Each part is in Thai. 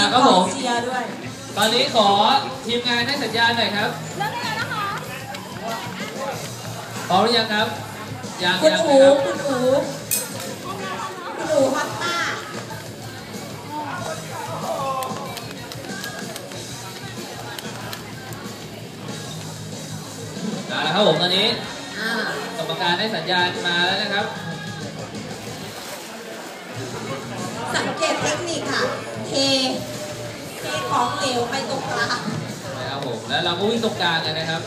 ครับผมเชียร์ด้วยตอนนี้ขอทีมงานให้สัญญาณหน่อยครับเริ่มได้แล้วนะคะพร้อมหรือยังครับยังคุณอูครับคุณอูฮอตต้าแล้วครับผมตอนนี้กรรมการได้สัญญาณมาแล้วนะครับสังเกตเทคนิคค่ะเทของเหลวไปตรงกลางนะครับผมแล้วเราก็วิ่งตรงกลางกันนะครับ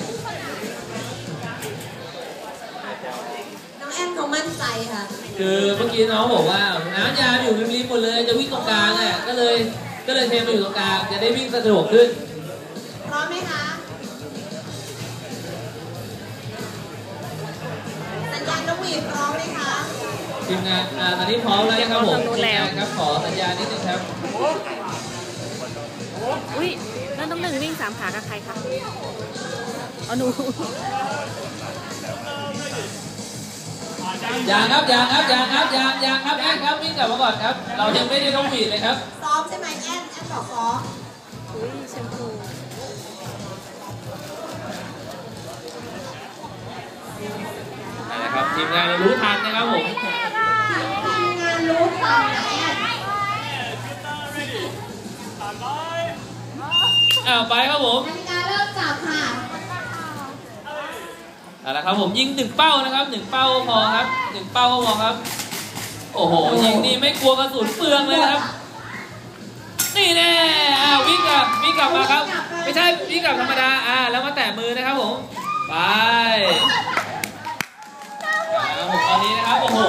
น้องแอนเขามั่นใจค่ะคือเมื่อกี้น้องบอกว่าน้ำยาอยู่ริมๆหมดเลยจะวิ่งตรงกลางเนี่ยก็เลยเทมาอยู่ตรงกลางจะได้วิ่งสะดวกขึ้นพร้อมไหมคะสัญญาณนกหวีดพร้อมไหมคะทีมงานตอนนี้พร้อมแล้วนะครับผมทีมงานครับขอสัญญาณนิดนึงครับอุ้ยนั่นต้อง1วิ่ง3ขากับใครคะเอาหนูยังครับแอนครับวิ่งกลับมาก่อนครับเรายังไม่ได้ต้องผิดเลยครับซ้อมใช่ไหมแอนบอกซ้อมอุ้ยแชมพูนะครับทีมงานรู้ทันนะครับผมทีมงานรู้ทันแอนไปครับผมนาฬิกาเริ่มจับค่ะเอาละครับผมยิง1 เป้านะครับ1 เป้าพอครับ1 เป้าก็พอครับโอ้โหยิงนี่ไม่กลัวกระสุนเปลืองเลยนะครับนี่แน่วิ่งกลับมาครับไม่ใช่วิ่งกลับธรรมดาแล้วมาแตะมือนะครับผมไปครับผมตอนนี้นะครับโอ้โห